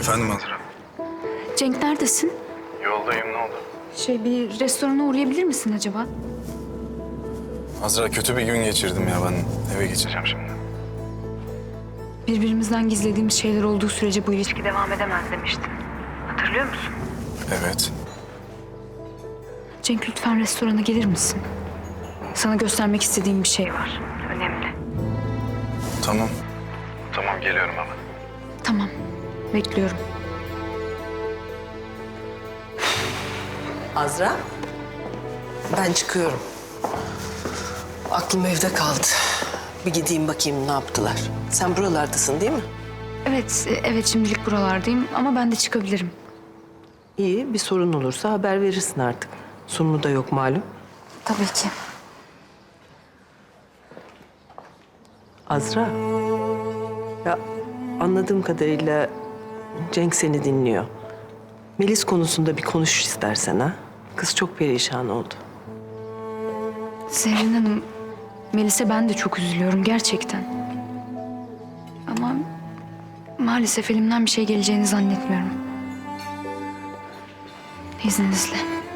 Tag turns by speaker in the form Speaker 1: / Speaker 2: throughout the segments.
Speaker 1: Efendim Azra?
Speaker 2: Cenk neredesin?
Speaker 1: Yoldayım, ne oldu?
Speaker 2: Bir restorana uğrayabilir misin acaba?
Speaker 1: Azra, kötü bir gün geçirdim ya, ben eve geçeceğim şimdi.
Speaker 2: Birbirimizden gizlediğimiz şeyler olduğu sürece bu ilişki devam edemez demiştin. Hatırlıyor musun?
Speaker 1: Evet.
Speaker 2: Cenk, lütfen restorana gelir misin? Sana göstermek istediğim bir şey var. Önemli.
Speaker 1: Tamam. Tamam, geliyorum hemen.
Speaker 2: Tamam, bekliyorum.
Speaker 3: Azra, ben çıkıyorum. Aklım evde kaldı. Bir gideyim bakayım ne yaptılar. Sen buralardasın değil mi?
Speaker 2: Evet şimdilik buralardayım ama ben de çıkabilirim.
Speaker 3: İyi, bir sorun olursa haber verirsin artık. Sumru da yok malum.
Speaker 2: Tabii ki.
Speaker 3: Azra, ya anladığım kadarıyla Cenk seni dinliyor. Melis konusunda bir konuş istersen ha. Kız çok perişan oldu.
Speaker 2: Zerrin Hanım, Melis'e ben de çok üzülüyorum gerçekten. Ama maalesef elimden bir şey geleceğini zannetmiyorum. İzninizle.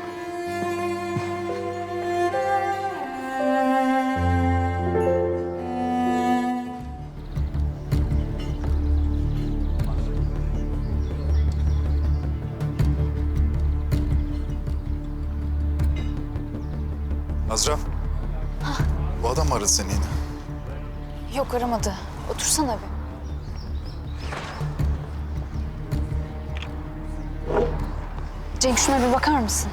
Speaker 1: Azra. Bu adam mı aradı seni yine?
Speaker 2: Yok, aramadı. Otursana bir. Cenk, şuna bir bakar mısın?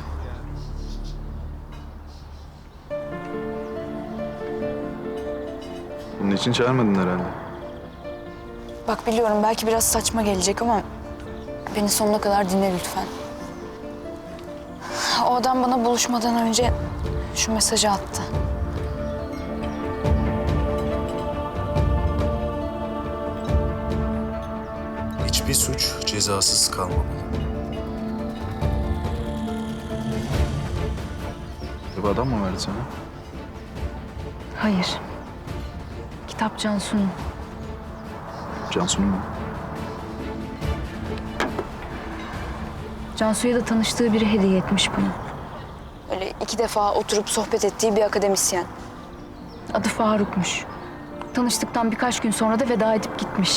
Speaker 1: Bunun için çağırmadın herhalde.
Speaker 2: Bak, biliyorum belki biraz saçma gelecek ama beni sonuna kadar dinle lütfen. O adam bana buluşmadan önce şu mesajı attı.
Speaker 1: Hiçbir suç cezasız kalmamalı. Bu adam mı verdi sana?
Speaker 2: Hayır. Kitap Cansu'nun.
Speaker 1: Cansu'nun mu?
Speaker 2: Cansu'ya da tanıştığı biri hediye etmiş bunu. Öyle 2 defa oturup sohbet ettiği bir akademisyen. Adı Faruk'muş. Tanıştıktan birkaç gün sonra da veda edip gitmiş.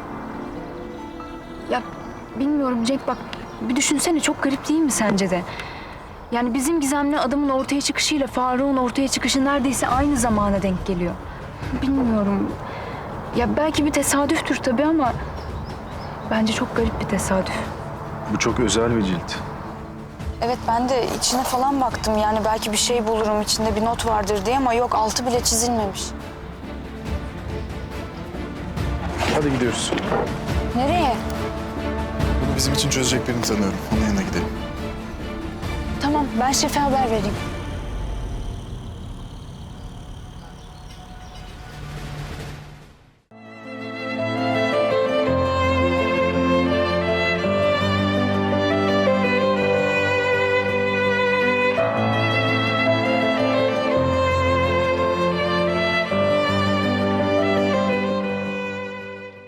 Speaker 2: Ya bilmiyorum Cenk, bak bir düşünsene, çok garip değil mi sence de? Yani bizim gizemli adamın ortaya çıkışıyla Faruk'un ortaya çıkışı neredeyse aynı zamana denk geliyor. Bilmiyorum. Ya belki bir tesadüftür tabii ama bence çok garip bir tesadüf.
Speaker 1: Bu çok özel bir cilt.
Speaker 2: Evet, ben de içine falan baktım, yani belki bir şey bulurum içinde, bir not vardır diye, ama yok, altı bile çizilmemiş.
Speaker 1: Hadi gidiyoruz.
Speaker 2: Nereye?
Speaker 1: Bunu bizim için çözecek birini tanıyorum. Onun yanına gidelim.
Speaker 2: Tamam, ben şefe haber vereyim.